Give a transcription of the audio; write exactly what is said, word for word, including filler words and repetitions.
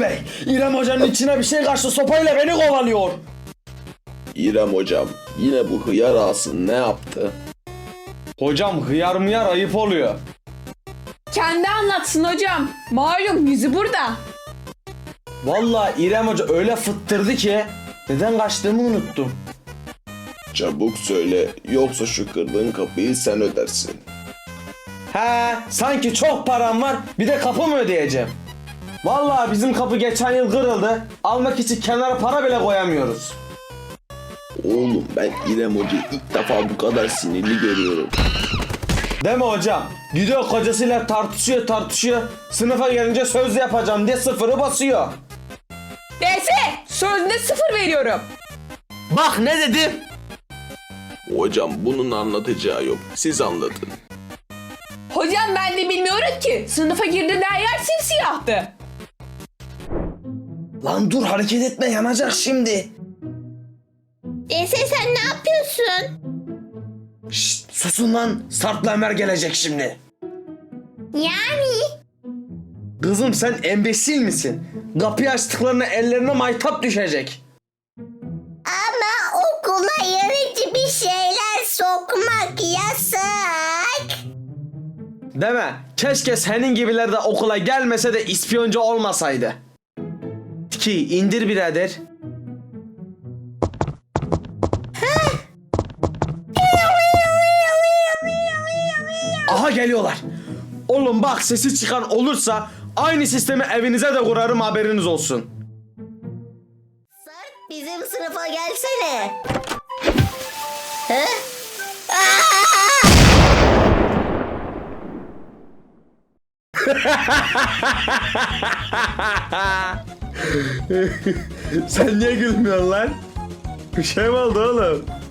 Bey, İrem Hoca'nın içine bir şey kaçtı, sopayla beni kovalıyor. İrem hocam, yine bu hıyar ağası ne yaptı? Hocam hıyar mıyar ayıp oluyor. Kendi anlatsın hocam. Malum yüzü burada. Vallahi İrem Hoca öyle fıttırdı ki neden kaçtığımı unuttum. Çabuk söyle, yoksa şu kırdığın kapıyı sen ödersin. He, sanki çok param var, bir de kapı mı ödeyeceğim? Vallahi bizim kapı geçen yıl kırıldı. Almak için kenara para bile koyamıyoruz. Oğlum, ben İrem hocayı ilk defa bu kadar sinirli görüyorum. Değil mi hocam? Gidiyor kocasıyla tartışıyor tartışıyor. Sınıfa gelince söz yapacağım diye sıfırı basıyor. Neyse sözde sıfır veriyorum. Bak ne dedim? Hocam bunun anlatacağı yok, siz anlatın. Hocam ben de bilmiyorum ki. Sınıfa girdiğinde her yer simsiyahtı. Lan dur, hareket etme, yanacak şimdi. Dese sen ne yapıyorsun? Şşt, susun lan, Sarp'la Ömer gelecek şimdi. Yani? Kızım sen embesil misin? Kapıyı açtıklarında ellerine maytap düşecek. Ama okula yarıcı bir şeyler sokmak yasak. Deme, keşke senin gibiler de okula gelmese de ispiyoncu olmasaydı. Ki indir birader. Aha geliyorlar. Oğlum bak, sesi çıkan olursa aynı sistemi evinize de kurarım, haberiniz olsun. Sarp, bizim sınıfa gelsene. He? Sen niye gülmüyorsun lan? Bir şey mi oldu oğlum?